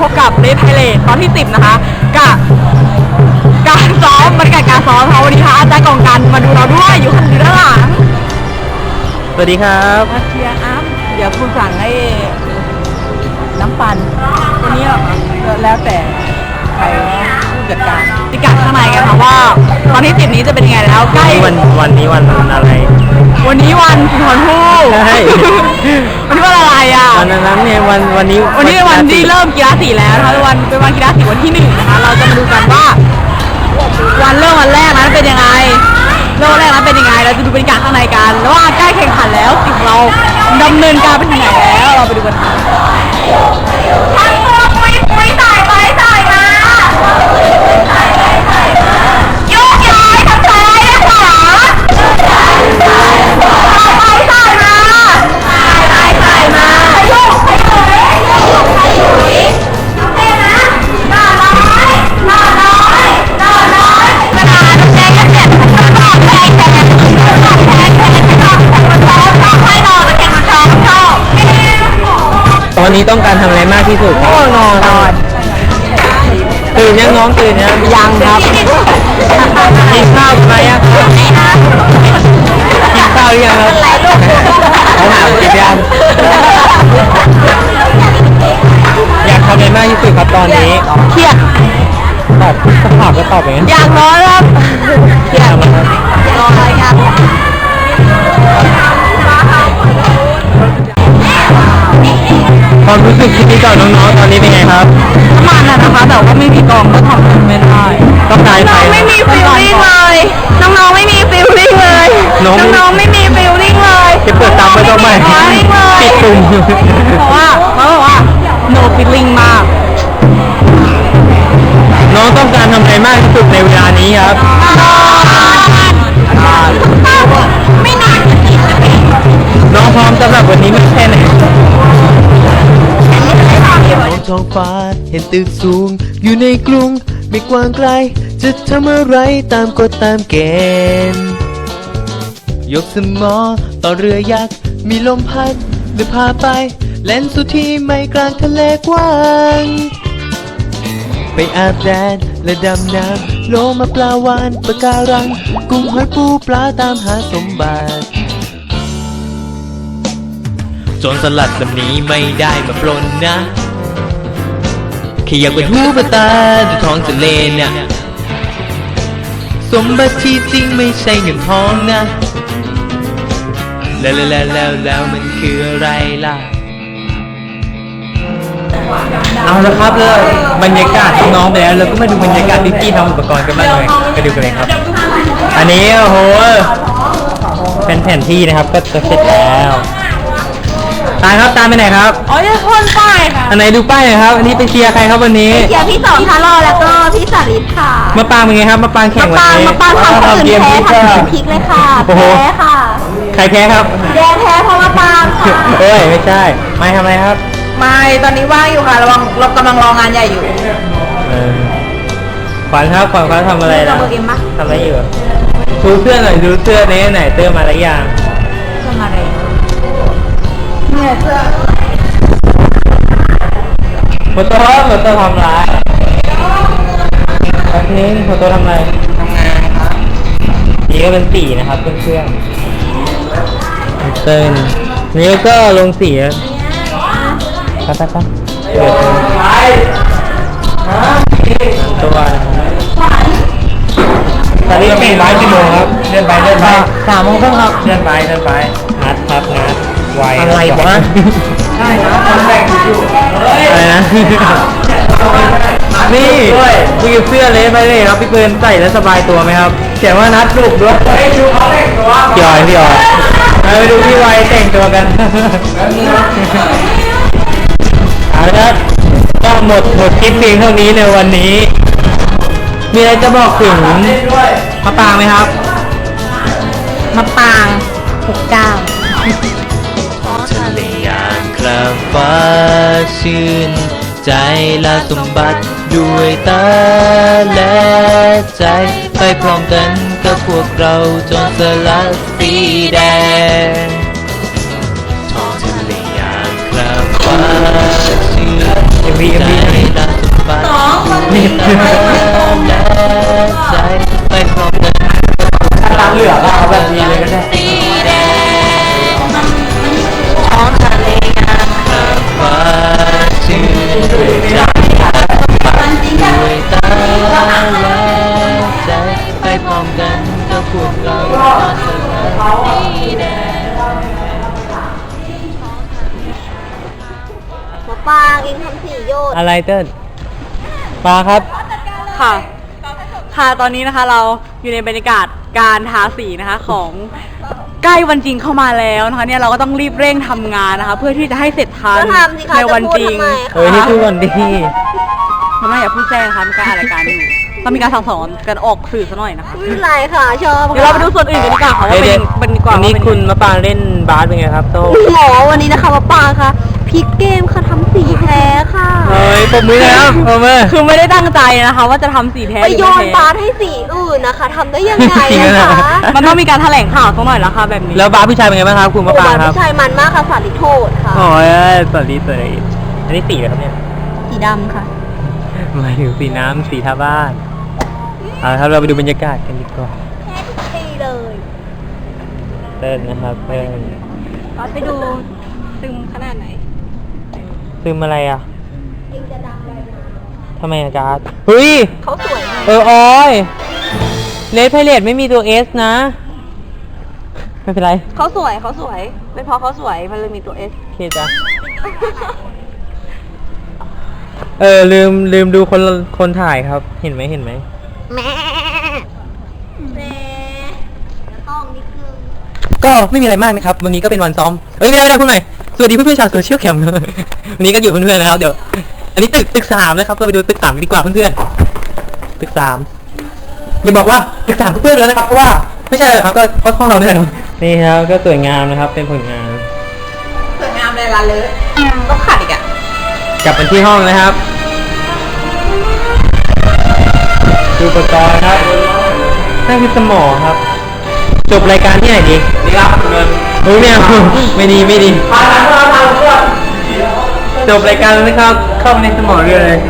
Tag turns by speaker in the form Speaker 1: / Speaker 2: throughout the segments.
Speaker 1: บกับเลดไทเลตตอนที่10นะคะกับการซ้อมบรรยากาศการซ้อมค่ะวันนี้ค่ะอาจารย์กองกันมาดูเราด้วยอยู่ด้านหลัง
Speaker 2: สวัสดีครับ
Speaker 1: มาเชียร์อัพเดี๋ยวคุณสั่งให้น้ำปั่นวันนี้แล้วแต่ใครผู้จัดการติกัดข้างในกันค่ะว่าตอนที่10นี้จะเป็นยังไงแล้วใกล้
Speaker 2: วันนี้วันอะไร
Speaker 1: วันนี้วันสุนทรภู่
Speaker 2: ใช่
Speaker 1: วันนี้วันอะไรอ่ะ
Speaker 2: วันนั้นเนี่ยวันนี้
Speaker 1: เป็นวันที่เริ่มกีฬาสีแล้วนะคะเป็นวันกีฬาสีวันที่1นะคะเราจะมาดูกันว่าวันเริ่มวันแรกนั้นเป็นยังไงเริ่มแรกนั้นเป็นยังไงเราจะดูบรรยากาศข้างในกันแล้วว่าใกล้แข่งขันแล้วสิ่งเราดำเนินการไปถึงไหนแล้วเราไปดูกันค่ะ
Speaker 2: ตอนนี้ต้องการทำอะไรมากที่สุดครับ
Speaker 1: นอน
Speaker 2: ตื่นยังน้องตื่นยัง
Speaker 1: ครับ
Speaker 2: กินข้าวไหมครับกินข้าวหรือยังครับเขาถามกินยังอยากทำอะไรมากที่สุดครับตอนนี้
Speaker 1: เครียด
Speaker 2: ตอบถามก็ตอบอย่างนั้น
Speaker 1: อยากนอนครับเครียดนอนอะไรครับ
Speaker 2: ความรู้สึกที่ต่อน้องๆตอนนี้เป็นไงครับ
Speaker 1: ประมาณนั้นนะคะแต่ว่าไม่มีกองก็ทำไม่ได้
Speaker 2: ต้องการ
Speaker 1: น้องไม่มีฟีลลิ่งเลยน้องๆไม่มีฟีลลิ่งเลยน้องๆไม่มีฟีลลิ่งเลย
Speaker 2: จะเปิดตามไม่ต้องไม่ปิดตุ่ม
Speaker 1: เพราะว่า no feeling มาก
Speaker 2: น้องต้องการทำอะไรมากที่สุดในเวลานี้ครับ
Speaker 1: ไม่นาน
Speaker 2: น้องพร้อมสำหรับวันนี้ไม่แค่ไหน
Speaker 3: ท้องฟ้าเห็นตึกสูงอยู่ในกรุงไม่กว้างไกลจะทำอะไรตามกฎตามเกณฑ์ยกสมอต่อเรือยักษ์มีลมพัดหรือพาไปแล่นสู่ที่ไม่กลางทะเลกว้างไปอาบแดดและดำน้ำโลมาปลาวานปะการังกุ้งหอยปูปลาตามหาสมบัติโจรสลัดลำนี้ไม่ได้มาปล้นนะแค่อยากเป็นหูเป็นตาดูท้องทะเลน่ะสมบัติที่จริงไม่ใช่เงินทองนะแล้วมันคืออะไรล่ะ
Speaker 2: เอาละครับเลยบรรยากาศน้องไปแล้วเราก็มาดูบรรยากาศที่พี่ทำอุปกรณ์กันบ้างเลยไปดูกันเลยครับอันนี้โอ้โหเป็นแผนที่นะครับก็จะเสร็จแล้วตายครับตามไปไหนครับ
Speaker 1: อ๋อจะคนป้ายค่ะ
Speaker 2: อันไหนดูป้ายหน่อยครับอันนี้ไปเชียร์ใครครับวันนี้
Speaker 1: เชียร์พี่สองทารอแล้วก็พี่สาริตค่ะ
Speaker 2: มาปางเป็นไงครับมาปางแข่งวันนี้
Speaker 1: มาปางทำคนอื่นแพ้ทำพลิกเลยค่ะแพ้ค่ะ
Speaker 2: ใครแพ้ครับ
Speaker 1: แดงแพ้เพราะมาปางค่ะ
Speaker 2: เอ้ยไม่ใช่ไม่ทำอะไรครับ
Speaker 1: ไม่ตอนนี้ว่างอยู่ค่ะเรากำลังรองานใหญ่อยู่
Speaker 2: ขวัญครับขวัญเขาทำอะไรนะทำอะไรอยู่ดูเสื้อหน่อยดูเสื้อนี้ไหนเติมมาแล้วยัง
Speaker 1: เติมอะไรเนี่ยเสื้อ
Speaker 2: โฟโต้ทำไรตอนนี้โฟโต้ทำอะไร
Speaker 1: ทำงานครับ
Speaker 2: นี่ก็เป็นสีนะครับเพื่อนเต้นนี่ก็ลงสีครับเดี๋ยวตัวตอนนี้แข่งไว้กี่โมงครับเลื่อนไป3 โมงครึ่งครับเลื่อนไปนัดครับนัดไว
Speaker 1: อะไรวะ
Speaker 2: ใช่นะคนแรกอยู่อะไรนะนี่คุยกับเสื้อเลยไปเลยครับพี่เปิร์นใส่แล้วสบายตัวไหมครับเขียนว่านัดลูกด้วยดูเขาแต่งตัวพี่อ๋อยไปดูพี่ไวแต่งตัวกันเอาละครับก็หมดคลิปเพียงเท่านี้ในวันนี้มีอะไรจะบอกถึงมะปางไหมครับ
Speaker 1: มะปาง69
Speaker 3: ทะเลยามคราฟ้าชื่นใจและสมบัติด้วยตาและใจไปพร้อมกันกับพวกเราจนสลัดสีแดงท้องทะเลยามคราฟ้าชื่น
Speaker 2: MV
Speaker 3: ตามสุดฝันไม่ตามและใจไปพร้อมกัน
Speaker 2: ตามเหลือก็เอาแบบนี้เลยก็ได้
Speaker 3: สีแดงท้องทะเลงามข้ามฟ้าชื่นด้วยใจด้วยตาและใจไปพร้อมกันกับพวกเราตอนสลายสีแดง
Speaker 4: หมอปลากินทำสีโยด
Speaker 2: อะไรเติ้ลปลาครับ
Speaker 1: ค่ะ ค่ะ ตอนนี้นะคะเราอยู่ในบรรยากาศการทาสีนะคะของใกล้วันจริงเข้ามาแล้วนะคะเนี่ยเราก็ต้องรีบเร่งทำงานนะคะ เพื่อที่จะให้เสร็จทัน
Speaker 4: ก็ทำสิคะ
Speaker 1: ใน
Speaker 4: จะ
Speaker 1: วัน
Speaker 4: พูด
Speaker 1: จริง
Speaker 4: ทำไม
Speaker 2: เฮ้ย
Speaker 4: คะ
Speaker 2: นี่คือวันดี
Speaker 1: ทำไมอย่าพูดแจ้งนะคะมีการอะไรายการอยู่ต้องมีการสั่งสอนกันออกสื่อซะหน่อยนะคะ
Speaker 4: ไม่เป็นไรค่ะชอบ
Speaker 1: เดี๋ยวเราไปดูส่วนอื่นกันดีกว่าค่ะว่าเป็นดีกว่า
Speaker 2: วันนี้
Speaker 1: ว่าเป็
Speaker 2: คุณมะปรางเล่นบาสเป็นไงครับโต้
Speaker 4: หมอวันนี้นะคะหมอปลาค่ะพลิกเกมค่ะทำสีแพ้ค่ะ
Speaker 2: เฮ้ยปมมือแล้วปมมือ
Speaker 1: คือไม่ได้ตั้งใจนะคะ ว่าจะทำสีแท้
Speaker 4: ไป
Speaker 1: หรือ
Speaker 4: โย
Speaker 1: ไม่
Speaker 4: น
Speaker 1: แท้
Speaker 4: บาสให้สีอื่นนะคะทำได้ยังไง
Speaker 2: จริง
Speaker 4: นะ
Speaker 2: เหรอ
Speaker 4: คะ
Speaker 1: มันต้องมีการแถลงข่าวสักหน่อยละค่ะแบบนี้
Speaker 2: แล้วบาสผู้ชายเป็นไงบ้างครับคุณมะปรางครับ
Speaker 4: ผู้ชายมันมากค่ะสาริโทษค่ะ
Speaker 2: โอ้ยสวัสดีสวัสดีอันนี้สีอะไรครับเนี่ย
Speaker 4: สีดำค่ะ
Speaker 2: หมายถึงสีน้ำสีทาบ้านเอาละครับเราไปดูบรรยากาศกันดีกว่า
Speaker 4: แพ้ทุกทีเลย
Speaker 2: เต้นนะครับเต้น
Speaker 4: ไปดูซึมขนาดไหน
Speaker 2: ซึมอะไรอ่ะ
Speaker 4: เองจะดังเลยนะ
Speaker 2: ทำไมอะการ์ดเฮ้ย
Speaker 4: เขาสวยมาก
Speaker 2: ออยเลดไพเรตไม่มีตัว S นะ ไม่เป็นไร
Speaker 1: เขาสวยเป็นเพราะเขาสวยมันเลยมีตัวเอส
Speaker 2: โอเคจ้ะลืมดูคนถ่ายครับ เห็นไหม
Speaker 4: แม่แม่ต้องนิดนึง
Speaker 2: ก็ไม่มีอะไรมากนะครับ วันนี้ก็เป็นวันซ้อมไม่ได้พูดใหม่สวัสดีเพื่อนๆชาวโซเชียลแคมป์ วันนี้ก็อยู่เพื่อนๆนะครับเดี๋ยวอันนี้ตึก3นะครับก็ไปดูตึก3กันดีกว่าเพื่อนๆตึก3อย่าบอกว่าตึก3เพื่อนๆแล้วนะครับเพราะว่าไม่ใช่ครับก็ห้องเราเนี่ยครับนี่ครับก็สวยงามนะครับเป็นผลงาน
Speaker 1: สวยงามเลยละเลอะต้องขัดอีกอ่ะ
Speaker 2: กลับมาที่ห้องนะครับดูอุปกรณ์ครับนั่นคือสมอครับจบรายการที่ไหนดีนี่ครับเงินโอ้ยไม่เอาไม่ดีจบรายการแล้วนะครับเข้าไปในสมอเรือเลย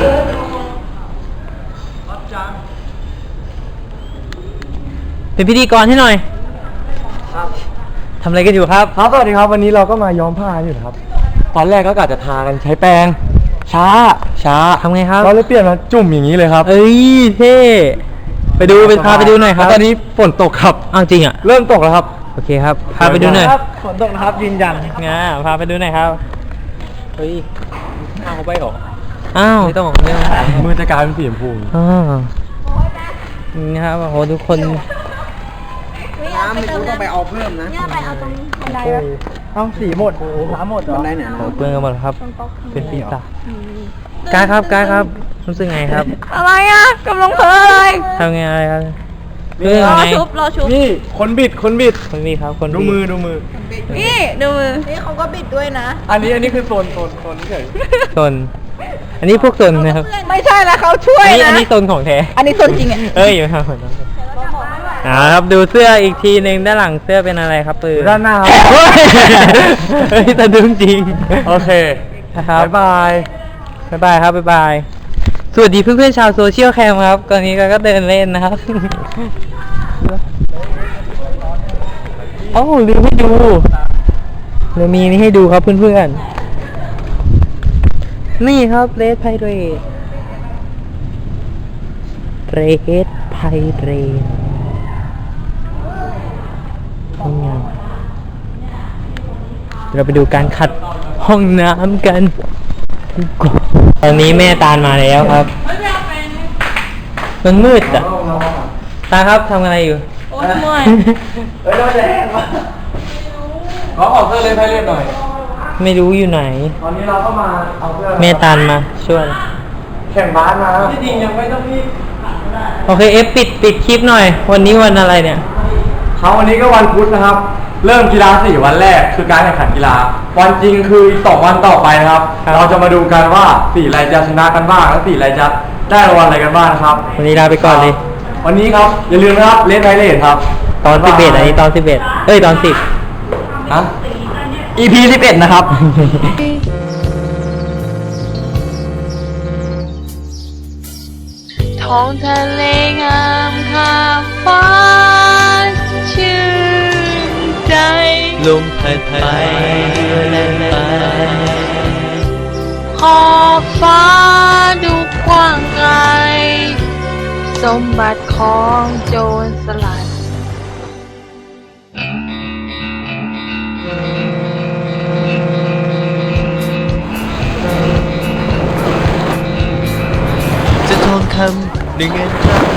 Speaker 2: เป็นพิธีกรให้หน่อยทำอะไรกันอยู่ครับ
Speaker 5: ครับสวัสดีครับวันนี้เราก็มาย้อมผ้าอยู่นะครับ ตอนแรกก็กะจะทากันใช้แปรงช้า
Speaker 2: ทำไงครับ
Speaker 5: เราเลยเปลี่ยนมาจุ่มอย่างนี้เลยครับ
Speaker 2: เอ้ยเท่ไปดูพาไปดูหน่อยครับ
Speaker 5: แล้วตอนนี้ฝนตกครับ
Speaker 2: อ้าวจริงอ่ะ
Speaker 5: เริ่มตกแล้วครับ
Speaker 2: โอเคครับพาไปดูหน่อย
Speaker 5: ฝนตกนะครับยืนยัน
Speaker 2: พาไปดูหน่อยครับเฮ้ย
Speaker 5: เอาไปหรอ
Speaker 2: อ้าวไม่ต้อง
Speaker 5: มือจะกลายเป็นสีชมพู
Speaker 2: อ้าวนี่ครับโอ้โหทุกคน
Speaker 4: น้ำไม่รู้ต้องไปเอาเพิ่มนะเนี่ยไปเอาตรงบันไดวะ
Speaker 5: เอาสีหมดน้ำหมดบันไดเนี่ย
Speaker 2: โอ้เพื่อนกันหมดแล้วครับ เป็นปีศาจกายครับรู้สึกไงครับ
Speaker 1: อะไรอ่ะกำลังเพลินเลย
Speaker 2: ทำไงอะไรครับเรื่อง
Speaker 1: รอ
Speaker 2: ไง
Speaker 1: ชุบ
Speaker 5: นี่คนบิด
Speaker 2: คนนี้ครับคน
Speaker 5: ดู
Speaker 2: ที่
Speaker 5: มือ
Speaker 1: นี่ดูมือ
Speaker 4: นี่เขาก็บิดด้วยนะ
Speaker 5: อันนี้คือโซนเฉย
Speaker 2: ซนอันนี้พวกซนนะครับ
Speaker 1: ไม่ใช่แล้วเขาช่วย
Speaker 2: อัน
Speaker 1: นะ
Speaker 2: นี้ซนของแท้
Speaker 1: อันนี้ส่วนจริงอ่ะ
Speaker 2: เอ้ยอยู่ครับครับดูเสื้ออีกทีหนึ่งด้านหลังเสื้อเป็นอะไรครับปืน
Speaker 5: ด้านหน้าครับ
Speaker 2: เฮ้ยแต่ดึงจริง
Speaker 5: โอเค
Speaker 2: นะครับ
Speaker 5: บ๊ายบาย
Speaker 2: บ๊ายบายครับบ๊ายบายสวัสดีเพื่อนๆชาวโซเชียลแคมครับตอนนี้ก็เดินเล่นนะครับโอ้ลืมให้ดูเรามีนี่ให้ดูครับเพื่อนๆนี่ครับเรดไพเรตห้องน้ำเราไปดูการขัดห้องน้ำกันดีกว่าตอนนี้แม่ตาลมาแล้วครับมันมืดอ่ะตาครับทำอะไรอยู่
Speaker 1: โอ้ยเมื่อย
Speaker 5: เฮ้ยเราจะแห้งวะขอออกเสื้อเลยไปเล่นหน่อย
Speaker 2: ไม่รู้อยู่ไหน
Speaker 5: ตอนนี้เราก็มาเอาเสื้อ
Speaker 2: แม่ตาลมาช่วย
Speaker 5: แข่งบาสมาที่จริงยังไม่ต้องรีบ
Speaker 2: โอเคเอฟปิดคลิปหน่อย วันนี้วันอะไรเนี่ย
Speaker 5: ครับวันนี้ก็วันพุธนะครับ เริ่มกีฬา4วันแรกคือการแข่งขันกีฬา วันจริงคืออีก2วันต่อไปนะครับ
Speaker 2: ครับ
Speaker 5: เราจะมาดูกันว่าสีอะไรจะชนะกันบ้างและสีอะไรจะได้รางวัลอะไรกันบ้างนะครับ
Speaker 2: วันนี้ลาไปก่อนเลย
Speaker 5: วันนี้ครับอย่าลืมนะครับเลนไพเรตครับ
Speaker 2: ตอน11อันนี้ตอน11เอ้ยตอน10
Speaker 5: ฮะ EP 11นะครับ
Speaker 6: ท้องทะเลงามข้ามฟ้าชื่นใจ
Speaker 3: ลมพัดไปเรือแล่นไป
Speaker 6: ขอบฟ้าดูกว้างไกล สมบัติของโจรสลัด
Speaker 3: จะทองคำหนึ่งเงินตรา